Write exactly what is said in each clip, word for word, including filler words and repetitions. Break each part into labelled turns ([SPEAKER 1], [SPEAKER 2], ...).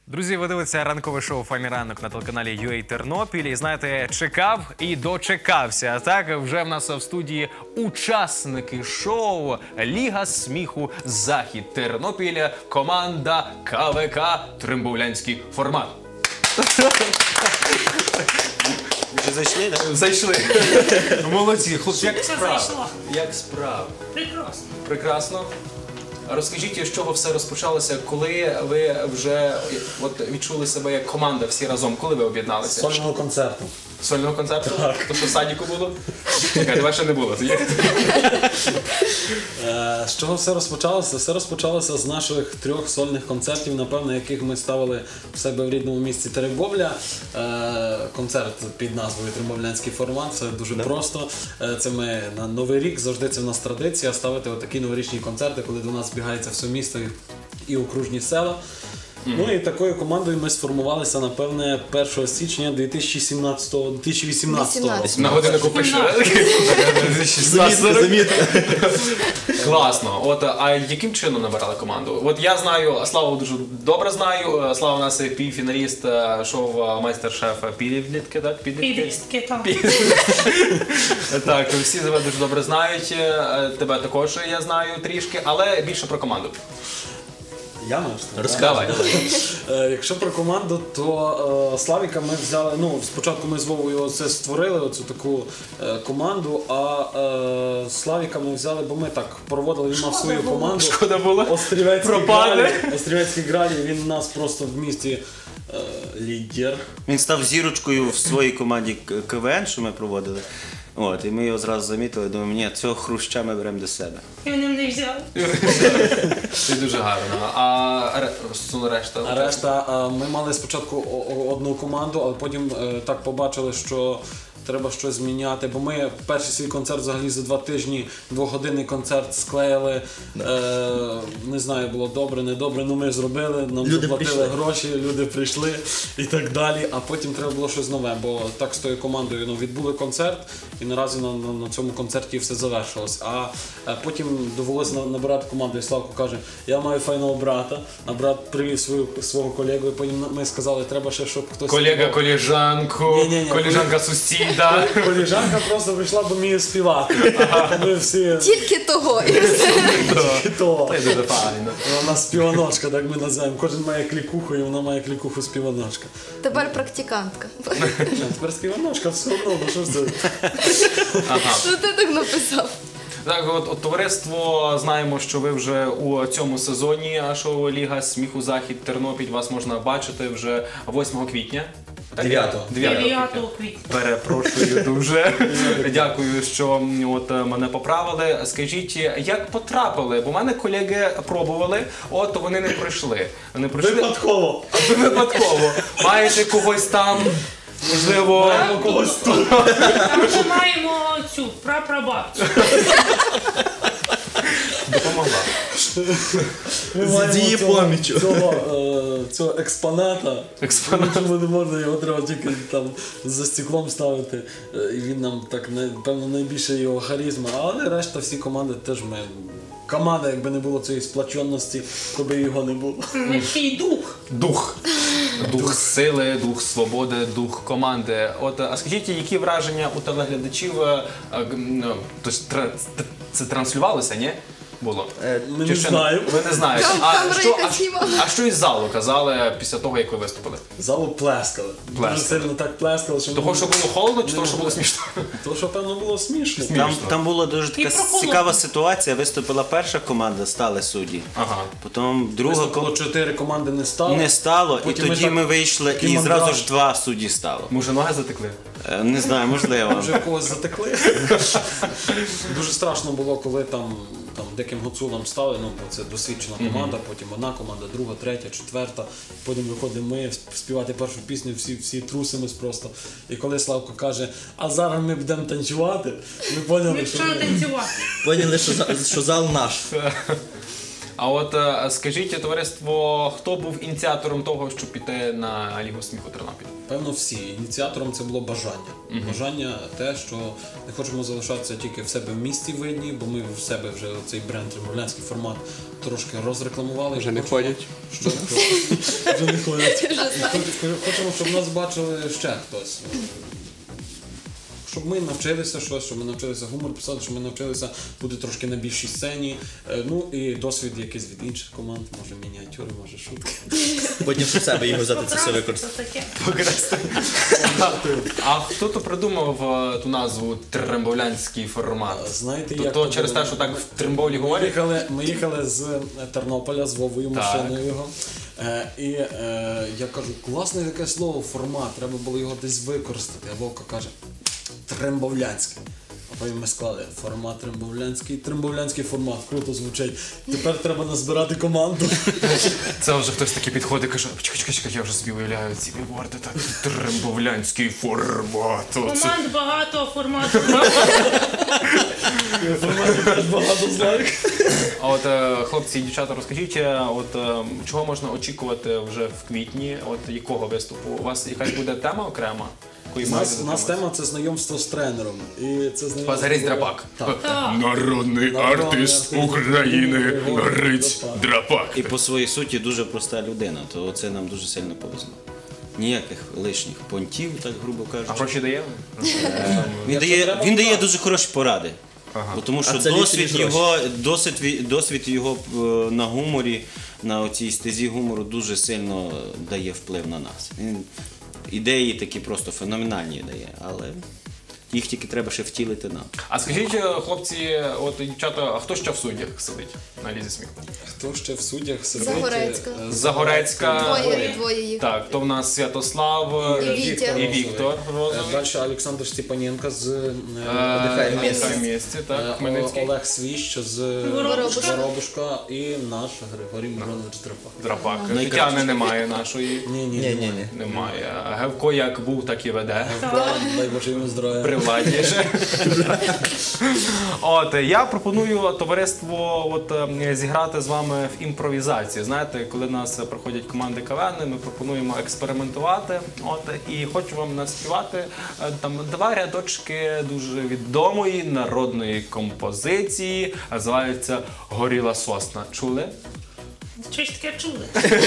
[SPEAKER 1] Друзі, ви дивитеся ранкове шоу «Файний ранок» на телеканалі ю ей Тернопіль. І знаєте, чекав і дочекався. Так, вже в нас в студії учасники шоу «Ліга сміху Захід Тернопіля», команда ка ве ка «Трембовлянський формат».
[SPEAKER 2] Вже зайшли, так?
[SPEAKER 1] Зайшли. Молодці. Хлопці, як справи? Як справи?
[SPEAKER 3] Прекрасно.
[SPEAKER 1] Прекрасно. Розкажіть, з чого все розпочалося, коли ви вже от, відчули себе як команда всі разом, коли ви об'єдналися?
[SPEAKER 2] Сольного концерту.
[SPEAKER 1] Сольного концерту? Так. То, що в садіку було? Чекай, тебе ще не було.
[SPEAKER 2] З чого все розпочалося? Все розпочалося з наших трьох сольних концертів, напевно, яких ми ставили в себе в рідному місті Теребовля. Концерт під назвою «Трембовлянський формат». Це дуже просто. Це ми на Новий рік, завжди це в нас традиція ставити отакі новорічні концерти, коли до нас збігається все місто і окружні села. Mm-hmm. Ну і такою командою ми сформувалися, напевне, першого січня дві тисячі сімнадцятого, дві тисячі вісімнадцятого року.
[SPEAKER 1] На годиннику пишу. Класно. От, а яким чином набирали команду? От я знаю, Славу дуже добре знаю. Слава у нас півфіналіст шоу «Майстер-шеф» підлітки, так?
[SPEAKER 3] Підлітки, так.
[SPEAKER 1] Так, всі тебе дуже добре знають. Тебе також я знаю трішки, але більше про команду.
[SPEAKER 2] Я можу?
[SPEAKER 1] Розказуй.
[SPEAKER 2] Якщо про команду, то е, Славіка ми взяли, ну, спочатку ми з Вовою це створили, оцю таку е, команду, а е, Славіка ми взяли, бо ми так проводили, він мав свою команду.
[SPEAKER 1] Шкода було.
[SPEAKER 2] Острівецький
[SPEAKER 1] Пропаде.
[SPEAKER 2] Гралі. Острівецький Гралі, він у нас просто в місті е, лідер.
[SPEAKER 4] Він став зірочкою в своїй команді ка ве ен, що ми проводили. От, і ми його зразу замітили, думаємо, ні, цього хруща ми беремо до себе.
[SPEAKER 3] І вони мене взяли.
[SPEAKER 1] Це дуже гарно. А решта?
[SPEAKER 2] А решта, е, ми мали спочатку о- о- одну команду, але потім е, так побачили, що треба щось зміняти, бо ми перший свій концерт взагалі за два тижні, двогодинний концерт склеїли. Е, не знаю, було добре, не добре, ну ми зробили, нам
[SPEAKER 4] Люди
[SPEAKER 2] заплатили
[SPEAKER 4] прийшли.
[SPEAKER 2] гроші, люди прийшли і так далі. А потім треба було щось нове, бо так з тою командою ну, відбули концерт і наразі на, на, на цьому концерті все завершилось. А е, потім довелося на- набирати команду, і Славко каже, я маю файного брата, а брат привів свою, свого колегу, і потім ми сказали, треба ще, щоб хтось...
[SPEAKER 1] Колега, колежанку,
[SPEAKER 2] Ні-ні-ні.
[SPEAKER 1] колежанка сусіда.
[SPEAKER 2] Коліжанка просто прийшла, бо вміє співати. Ми всі
[SPEAKER 5] Тільки того.
[SPEAKER 2] то.
[SPEAKER 1] Це дуже файно.
[SPEAKER 2] Вона співаночка, так ми називаємо. Кожен має клікуху, і вона має клікуху співаночка.
[SPEAKER 5] Тепер практикантка.
[SPEAKER 2] Ні, тепер співаночка, все одно, ну що ж це?
[SPEAKER 5] Ну ти так написав.
[SPEAKER 1] Так, от, от товариство, знаємо, що ви вже у цьому сезоні шоу «Ліга сміху Захід Тернопіль». Вас можна бачити вже восьмого квітня.
[SPEAKER 2] Дев'ятого.
[SPEAKER 3] дев'ятого квітня.
[SPEAKER 1] Перепрошую дуже. Дякую, що от мене поправили. Скажіть, як потрапили? Бо в мене колеги пробували, от вони не пройшли. Вони пройшли
[SPEAKER 2] Випадково.
[SPEAKER 1] Ви випадково. Маєте когось там, можливо,
[SPEAKER 2] Когось тут.
[SPEAKER 3] Там вже маємо цю прапрабабцю.
[SPEAKER 1] допомогла.
[SPEAKER 2] Ми маємо
[SPEAKER 4] її
[SPEAKER 2] цього-
[SPEAKER 4] помічю.
[SPEAKER 2] Цього, е, цього експоната.
[SPEAKER 1] Експонат.
[SPEAKER 2] Нічого не можна, його треба тільки там за стеклом ставити. Е, І він нам так, не- певно, найбільше його харизма. Але решта всі команди теж ми... Команда, якби не було цієї сплаченості, то би його не було.
[SPEAKER 3] Такий дух.
[SPEAKER 1] Дух. Дух сили, дух свободи, дух команди. От, а скажіть, які враження у телеглядачів, е, е, ну, тобто, тра- це транслювалося, ні? Було?
[SPEAKER 2] Ми
[SPEAKER 1] Чи
[SPEAKER 2] не
[SPEAKER 1] ще
[SPEAKER 2] знаємо.
[SPEAKER 1] Ви не знаєте.
[SPEAKER 5] Там
[SPEAKER 1] А
[SPEAKER 5] камера
[SPEAKER 1] що,
[SPEAKER 5] якась
[SPEAKER 1] а,
[SPEAKER 5] знімала.
[SPEAKER 1] а що із залу казали після того, як ви виступили?
[SPEAKER 2] Залу плескали. Дуже
[SPEAKER 1] Плескали.
[SPEAKER 2] сильно так плескали, що
[SPEAKER 1] Того,
[SPEAKER 2] ми-
[SPEAKER 1] що було холодно, чи того, що було смішно?
[SPEAKER 2] Того, що, певно, було смішно.
[SPEAKER 4] Там, там була дуже така
[SPEAKER 3] прохолодно.
[SPEAKER 4] цікава ситуація. Виступила перша команда, стали судді.
[SPEAKER 1] Ага.
[SPEAKER 4] Потім друга
[SPEAKER 2] Виступило
[SPEAKER 4] команда
[SPEAKER 2] чотири команди не стало.
[SPEAKER 4] не стало, і
[SPEAKER 2] Потім ми
[SPEAKER 4] тоді
[SPEAKER 2] так-
[SPEAKER 4] ми вийшли,
[SPEAKER 2] такий
[SPEAKER 4] і
[SPEAKER 2] мандраж.
[SPEAKER 4] зразу ж два судді стало.
[SPEAKER 1] Може, ноги затекли?
[SPEAKER 4] Е, Не знаю, можливо.
[SPEAKER 2] Вже в когось затекли. Дуже страшно було, коли там, там диким гуцулам стали, ну, бо це досвідчена команда, потім одна команда, друга, третя, четверта. Потім виходимо ми співати першу пісню, всі, всі трусимось просто. І коли Славко каже, а зараз ми будемо танцювати, ми поняли,
[SPEAKER 3] Ми
[SPEAKER 2] що
[SPEAKER 3] почали танцювати.
[SPEAKER 6] Поняли, що, за- що зал наш.
[SPEAKER 1] А от е, скажіть, товариство, хто був ініціатором того, щоб піти на Лігу сміху Тернопіль?
[SPEAKER 2] Певно, всі. Ініціатором це було бажання. Mm-hmm. Бажання те, що не хочемо залишатися тільки в себе в місті видні, бо ми в себе вже цей бренд, тернопільський формат трошки розрекламували.
[SPEAKER 6] Вже не
[SPEAKER 2] Хочемо,
[SPEAKER 6] ходять.
[SPEAKER 2] Що? Вже не ходять. Хочемо, щоб нас бачили ще хтось. Щоб ми навчилися щось, щоб ми навчилися гумор писати, щоб ми навчилися бути трошки на більшій сцені. Е, Ну і досвід якийсь від інших команд, може мініатюри, може шутки.
[SPEAKER 6] Потім в себе його взяти це все
[SPEAKER 3] Покрасти,
[SPEAKER 6] використати.
[SPEAKER 3] це таке.
[SPEAKER 1] А хто то придумав е, ту назву трембовлянський формат?
[SPEAKER 2] Знаєте,
[SPEAKER 1] То,
[SPEAKER 2] як
[SPEAKER 1] то
[SPEAKER 2] то
[SPEAKER 1] через
[SPEAKER 2] було?
[SPEAKER 1] те, що так в Трембовлі
[SPEAKER 2] Ми
[SPEAKER 1] говорять?
[SPEAKER 2] їхали, ми їхали з Тернополя з Вовою
[SPEAKER 1] Так.
[SPEAKER 2] машиною його. Е, і е, я кажу, класне таке слово, формат, треба було його десь використати. А Вовка каже, трембовлянський. А потім ми склали формат трембовлянський, трембовлянський формат, круто звучить. Тепер треба назбирати команду.
[SPEAKER 1] Це вже хтось такий підходить і каже, чекай, чекай, чекай, я вже собі уявляю ці білборди, так, трембовлянський формат. Оце-
[SPEAKER 3] Команд багато, формату.
[SPEAKER 2] Формат теж багато знає.
[SPEAKER 1] А от е, хлопці і дівчата, розкажіть, е, от е, чого можна очікувати вже в квітні? От якого виступу? У вас якась буде тема окрема? якої
[SPEAKER 2] У
[SPEAKER 1] маєте
[SPEAKER 2] нас, у нас
[SPEAKER 1] дотримуватися?
[SPEAKER 2] тема це знайомство з тренером. І це знайомство...
[SPEAKER 1] Пазаріць Драпак.
[SPEAKER 2] Так.
[SPEAKER 3] Так.
[SPEAKER 1] Народний
[SPEAKER 2] артист України Гриць
[SPEAKER 1] Драпак.
[SPEAKER 4] І по своїй суті дуже проста людина, то це нам дуже сильно повезло. Ніяких лишніх понтів, так грубо
[SPEAKER 1] А
[SPEAKER 4] кажучи.
[SPEAKER 1] гроші дає?
[SPEAKER 4] Він дає, він дає дуже хороші поради. Бо тому що
[SPEAKER 6] А це ліпше,
[SPEAKER 4] досвід
[SPEAKER 6] ніж
[SPEAKER 4] його, досвід, ві- досвід його е, на гуморі, на оцій стезі гумору дуже сильно дає вплив на нас. Він ідеї такі просто феноменальні дає, але їх тільки треба ще втілити нам.
[SPEAKER 1] А скажіть, хлопці, от дівчата, а хто ще в суддях сидить на лізі сміху?
[SPEAKER 2] Хто ще в суддях сидить?
[SPEAKER 5] Загорецька.
[SPEAKER 2] Е,
[SPEAKER 1] Загорецька.
[SPEAKER 5] Двоє, двоє їх.
[SPEAKER 1] Так, то в нас Святослав
[SPEAKER 5] І Вітя.
[SPEAKER 1] і Віктор
[SPEAKER 2] Е,
[SPEAKER 1] Розовий.
[SPEAKER 2] Далі Олександр Степаненко з е,
[SPEAKER 1] Отдихає
[SPEAKER 2] е,
[SPEAKER 1] місце. місці,
[SPEAKER 2] е,
[SPEAKER 1] так, Хмельницький.
[SPEAKER 2] Олег Свіщ з
[SPEAKER 3] Воробушка.
[SPEAKER 2] Воробушка і наш Григорій Миронович Драпак.
[SPEAKER 1] Драпак.
[SPEAKER 4] Найкраще.
[SPEAKER 1] Тетяни немає нашої.
[SPEAKER 2] Ні, ні,
[SPEAKER 6] Ні, ні, ні.
[SPEAKER 1] Немає. А Гевко як був, так і веде.
[SPEAKER 2] Дай Боже йому здоров'я.
[SPEAKER 1] При владі ще. От я пропоную товариство от е, зіграти з вами в імпровізацію. Знаєте, коли в нас проходять команди КВН, ми пропонуємо експериментувати. От і хочу вам наспівати е, там два рядочки дуже відомої народної композиції. Називається Горіла сосна. Чули?
[SPEAKER 3] Щось таке чули.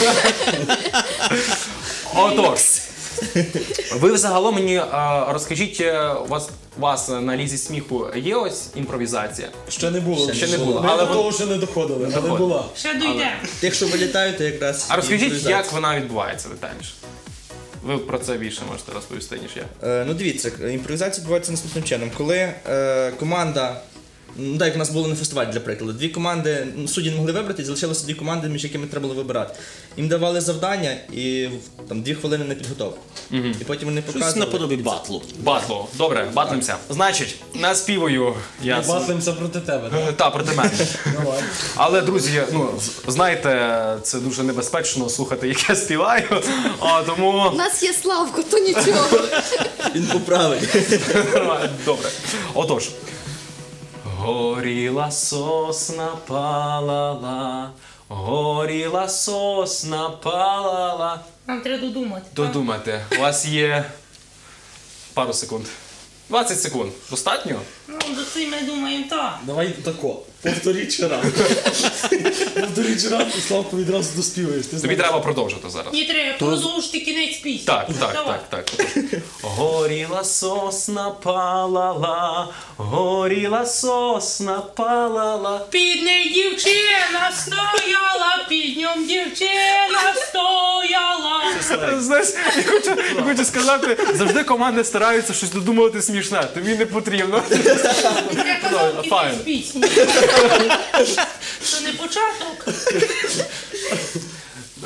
[SPEAKER 1] Отож. Ви взагалом мені е, розкажіть, е, у вас, у вас на лізі сміху є ось імпровізація?
[SPEAKER 2] Ще не було.
[SPEAKER 1] Ще не було,
[SPEAKER 2] Ми
[SPEAKER 1] але
[SPEAKER 2] до
[SPEAKER 1] ви-
[SPEAKER 2] того ще не доходили, але
[SPEAKER 1] доходили.
[SPEAKER 2] була.
[SPEAKER 3] Ще дійде.
[SPEAKER 6] Тих, що вилітають, то якраз.
[SPEAKER 1] А розкажіть,
[SPEAKER 6] імпровізація.
[SPEAKER 1] як вона відбувається детальніше? Ви про це більше можете розповісти, ніж я.
[SPEAKER 6] Е, ну дивіться, імпровізація відбувається наступним чином. Коли е, команда, ну так як у нас було на фестивалі, для прикладу, дві команди, ну, судді не могли вибрати, і залишилося дві команди, між якими треба було вибирати. Їм давали завдання і там дві хвилини на підготовку. І потім вони
[SPEAKER 4] Щось
[SPEAKER 6] показували.
[SPEAKER 4] наподобі батлу.
[SPEAKER 1] Батлу. Добре, батлимося. Значить, наспіваю я.
[SPEAKER 2] Ми батлимося проти тебе, так?
[SPEAKER 1] Та, проти мене.
[SPEAKER 2] Давай.
[SPEAKER 1] Але, друзі, ну, з- знаєте, це дуже небезпечно слухати, як я співаю. А, тому
[SPEAKER 5] У нас є Славко, то нічого.
[SPEAKER 6] Він поправить.
[SPEAKER 1] добре. Отож. Горіла сосна палала, горіла сосна палала.
[SPEAKER 3] Нам треба додумати.
[SPEAKER 1] Додумайте, у вас є пару секунд. двадцять секунд. Достатньо?
[SPEAKER 3] Ну, до цим ми думаємо так.
[SPEAKER 2] Давай тако. Повторіть ще раз. Повторіть ще раз, і Славко відразу доспіваєш. Ти
[SPEAKER 1] Тобі
[SPEAKER 2] знаєш.
[SPEAKER 1] треба продовжити зараз.
[SPEAKER 3] Ні, треба продовжити кінець пісні.
[SPEAKER 1] Так, так,
[SPEAKER 3] Давай.
[SPEAKER 1] так, так. Горіла сосна палала, горіла сосна палала.
[SPEAKER 3] Під нею дівчина стояла, під ньом дівчина стояла.
[SPEAKER 1] Знаєш, я хочу, я хочу сказати, завжди команди стараються щось додумувати смішне, тобі не потрібно.
[SPEAKER 3] Я казав
[SPEAKER 1] Файн.
[SPEAKER 3] кінець пісні. Це не початок.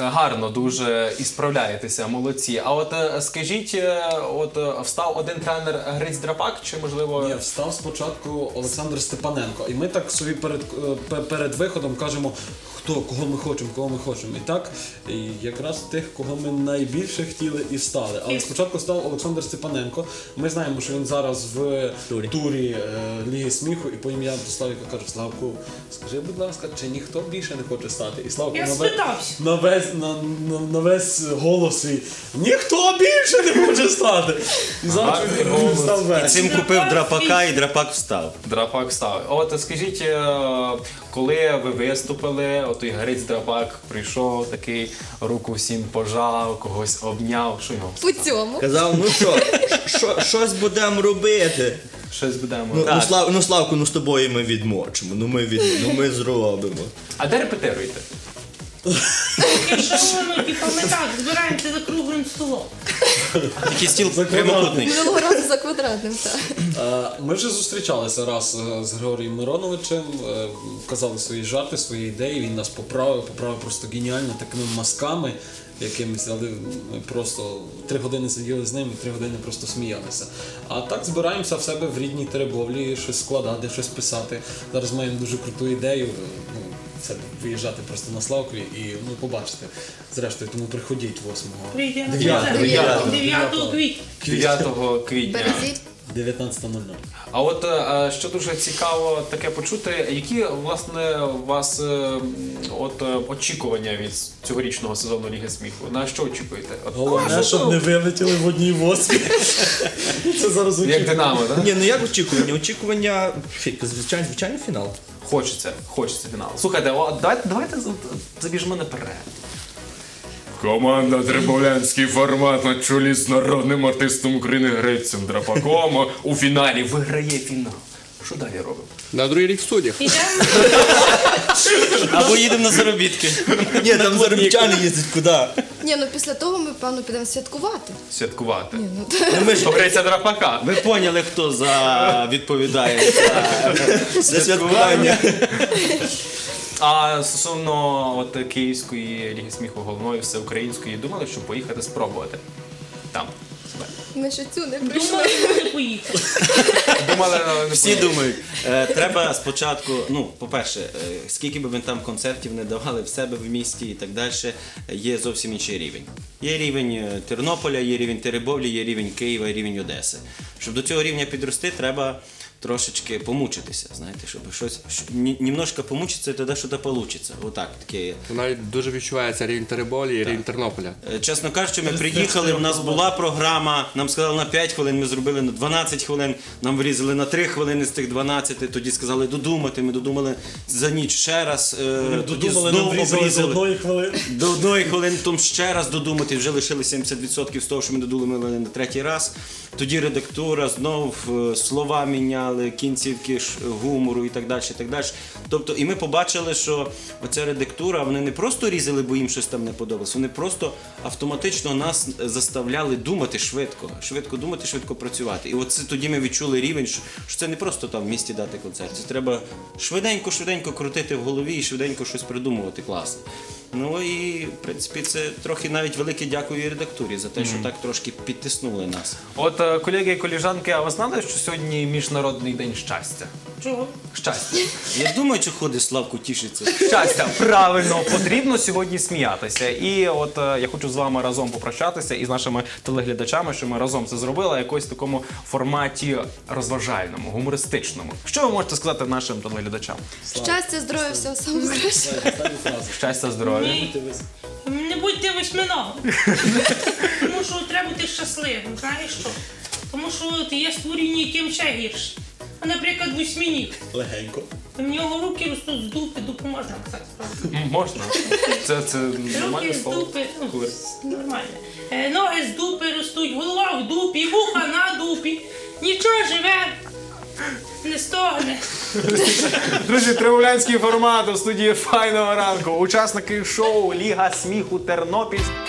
[SPEAKER 1] гарно дуже і справляєтеся, молодці. А от е, скажіть, е, от е, встав один тренер Гриць Драпак, чи можливо...
[SPEAKER 2] Ні, встав спочатку Олександр Степаненко. І ми так собі перед, е, пе- перед виходом кажемо, хто, кого ми хочемо, кого ми хочемо. І так, і якраз тих, кого ми найбільше хотіли і встали. Але спочатку став Олександр Степаненко. Ми знаємо, що він зараз в
[SPEAKER 6] Турі.
[SPEAKER 2] турі е, Ліги сміху, і потім я до Славіка кажу, Славку, скажи, будь ласка, чи ніхто більше не хоче стати? І Славко
[SPEAKER 3] Я
[SPEAKER 2] на, ве-
[SPEAKER 3] спитався.
[SPEAKER 2] на, весь, на, на, на весь голос свій, ніхто більше не хоче стати. І завтра
[SPEAKER 1] Гарний
[SPEAKER 2] він
[SPEAKER 1] голос.
[SPEAKER 2] став
[SPEAKER 4] І
[SPEAKER 2] весь.
[SPEAKER 4] цим купив драпака, і драпак встав.
[SPEAKER 1] Драпак встав. От скажіть, е, коли ви виступили, от той Гриць Драпак прийшов, такий руку всім пожав, когось обняв, що його?
[SPEAKER 5] По цьому.
[SPEAKER 6] Казав, ну що, що, щось будемо робити.
[SPEAKER 1] Щось будемо.
[SPEAKER 6] Ну,
[SPEAKER 1] Так.
[SPEAKER 6] ну, Слав, ну Славку, ну з тобою ми відмочимо, ну ми, від, ну, ми зробимо.
[SPEAKER 1] А де репетируєте?
[SPEAKER 3] Якщо воно, типу, ми так збираємося за круглим столом.
[SPEAKER 4] Такий стіл прямокутний.
[SPEAKER 5] Минулого разу за квадратним, так.
[SPEAKER 2] Е, Ми вже зустрічалися раз е, з Григорієм Мироновичем, е, казали свої жарти, свої ідеї, він нас поправив, поправив просто геніально такими мазками якимись, але ми просто три години сиділи з ним і три години просто сміялися. А так збираємося в себе в рідній Теребовлі, щось складати, щось писати. Зараз маємо дуже круту ідею. Ну, це виїжджати просто на Славкові і ну, побачите. Зрештою, тому приходіть восьмого.
[SPEAKER 3] Прийде на
[SPEAKER 2] Дев'ятого.
[SPEAKER 3] дев'ятого дев'ятого квітня.
[SPEAKER 1] дев'ятого квітня.
[SPEAKER 5] Березіть.
[SPEAKER 2] дев'ятнадцята нуль нуль.
[SPEAKER 1] А от е, що дуже цікаво таке почути, які власне у вас е, от, е, очікування від цьогорічного сезону Ліги сміху? На що очікуєте? От,
[SPEAKER 2] Головне, щоб не вилетіли в одній восьмі. Це зараз
[SPEAKER 1] як
[SPEAKER 2] очікує.
[SPEAKER 1] Динамо, так?
[SPEAKER 6] Ні, ну як очікування? Очікування, звичайно, звичайний фінал.
[SPEAKER 1] Хочеться, хочеться фіналу. Слухайте, о, давайте, давайте з- забіжмо наперед. Команда Теребовлянський формат на чолі з народним артистом України Грицем Драпаком у фіналі виграє фінал. Що далі робимо?
[SPEAKER 7] На другий рік в студіях.
[SPEAKER 3] Підемо
[SPEAKER 4] Або їдемо на заробітки.
[SPEAKER 6] Ні, там заробітчани їздять куди?
[SPEAKER 5] Ні, ну після того ми, певно, підемо святкувати.
[SPEAKER 1] Святкувати.
[SPEAKER 5] Ні, ну,
[SPEAKER 6] Ну, ми ж
[SPEAKER 1] До Гриця Драпака.
[SPEAKER 4] Ви поняли, хто за відповідає за
[SPEAKER 6] за святкування.
[SPEAKER 1] А стосовно от Київської Ліги сміху головної всеукраїнської, думали, що поїхати спробувати там себе?
[SPEAKER 5] ми ще цю не прийшли.
[SPEAKER 3] думали, що не поїхати.
[SPEAKER 1] Думали, але не
[SPEAKER 4] Всі
[SPEAKER 1] поїхали.
[SPEAKER 4] думають, е, треба спочатку, ну, по-перше, е, скільки би ми там концертів не давали в себе в місті і так далі, є зовсім інший рівень. Є рівень е, Тернополя, є рівень Теребовлі, є рівень Києва, є рівень Одеси. Щоб до цього рівня підрости, треба трошечки помучитися, знаєте, щоб щось, щ- ні- немножко помучитися, і тоді щось вийде. Отак, таке.
[SPEAKER 7] Навіть дуже відчувається рівень Теребовлі і рівень Тернополя.
[SPEAKER 4] Е, Чесно кажучи, ми приїхали, у нас була програма, нам сказали на п'ять хвилин, ми зробили на дванадцять хвилин, нам вирізали на три хвилини з тих дванадцяти, тоді сказали додумати, ми додумали за ніч ще раз, е, тоді
[SPEAKER 2] Додумали, нам
[SPEAKER 4] знову
[SPEAKER 2] врізали з
[SPEAKER 4] обрізали.
[SPEAKER 2] одної хвилини.
[SPEAKER 4] До одної хвилини, потім ще раз додумати, вже лишили сімдесят відсотків з того, що ми додумали на третій раз. Тоді редактура, знов е, слова міняли, кінцівки ш- гумору і так далі, і так далі. Тобто, і ми побачили, що оця редактура, вони не просто різали, бо їм щось там не подобалось, вони просто автоматично нас заставляли думати швидко, швидко думати, швидко працювати. І оце тоді ми відчули рівень, що, що це не просто там в місті дати концерт, це треба швиденько-швиденько крутити в голові і швиденько щось придумувати класне. Ну і, в принципі, це трохи навіть велике дякую і редактурі за те, що так трошки підтиснули нас.
[SPEAKER 1] От, е, колеги і коліжанки, а ви знали, що сьогодні Міжнародний день щастя?
[SPEAKER 3] Чого?
[SPEAKER 1] Щастя.
[SPEAKER 4] Я думаю, що ходить Славку тішиться.
[SPEAKER 1] Щастя, правильно, потрібно сьогодні сміятися. І от е, я хочу з вами разом попрощатися і з нашими телеглядачами, що ми разом це зробили, якось в такому форматі розважальному, гумористичному. Що ви можете сказати нашим телеглядачам?
[SPEAKER 5] Щастя, здоров'я, всього самого кращого.
[SPEAKER 2] Останню фразу.
[SPEAKER 1] Щастя, здоров'я.
[SPEAKER 3] Ні. Не будьте восьминогом. Тому що треба бути щасливим, знаєш що? Тому що от є створіння, яким ще гірше. А, наприклад, восьминіг.
[SPEAKER 2] Легенько.
[SPEAKER 3] В нього руки ростуть з дупи, дупу можна казати, правда?
[SPEAKER 1] М, Можна. Це, це нормальне
[SPEAKER 3] Руки з
[SPEAKER 1] слово.
[SPEAKER 3] дупи, ну, нормально. Е, ноги з дупи ростуть, голова в дупі, вуха на дупі. Нічого живе, не стогне.
[SPEAKER 1] Друзі, теребовлянський формат у студії Файного ранку. Учасники шоу Ліга сміху Тернопіль.